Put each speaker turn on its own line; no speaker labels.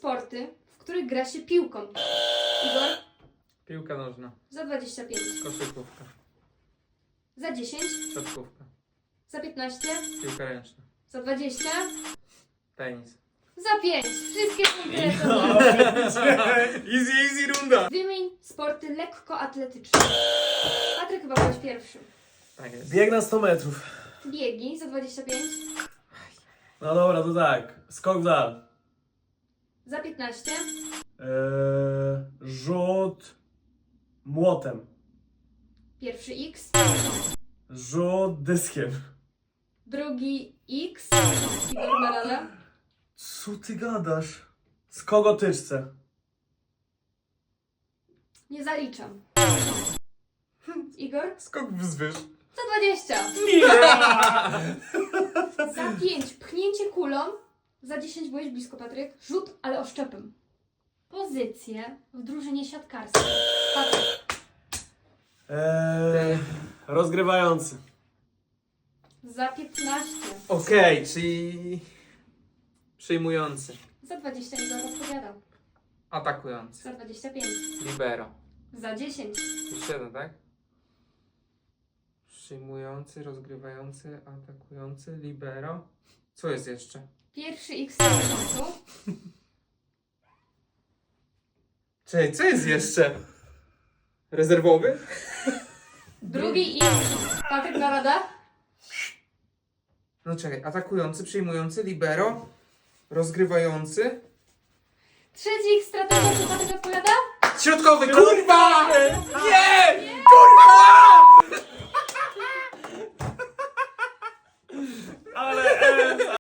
sporty, w których gra się piłką. Igor?
Piłka nożna.
Za 25.
Koszykówka.
Za 10.
Siatkówka.
Za 15.
Piłka ręczna.
Za 20.
Tenis.
Za 5. Wszystkie punkty
No.
Easy runda!
Wymień sporty lekkoatletyczne. Patryk, chyba byłeś pierwszy.
Tak jest.
Bieg na 100 metrów.
Biegi za 25.
No dobra, to tak. Skok w dal.
Za 15.
Rzut młotem.
Pierwszy X.
Rzut dyskiem.
Drugi X. Igor na radę.
Co ty gadasz? Skok o tyczce.
Nie zaliczam. Igor?
Skok wzwyż.
Za 20. Za 5. Pchnięcie kulą. Za 10 byłeś blisko, Patryk. Rzut, ale oszczepem. Pozycje w drużynie siatkarskiej. Patryk.
Rozgrywający.
Za 15.
Okej, czyli... Przyjmujący.
Za 20 Igor odpowiadał.
Atakujący.
Za 25.
Libero.
Za 10.
Już jeden, tak? Przyjmujący, rozgrywający, atakujący, libero. Co jest jeszcze?
Pierwszy X na końcu.
Czekaj, co jest jeszcze? Rezerwowy?
Drugi X. Patryk na radę.
No czekaj, atakujący, przyjmujący, libero, rozgrywający.
Trzeci X stratega, czy Patryk odpowiada?
Środkowy, kurwa! Nie!
Ale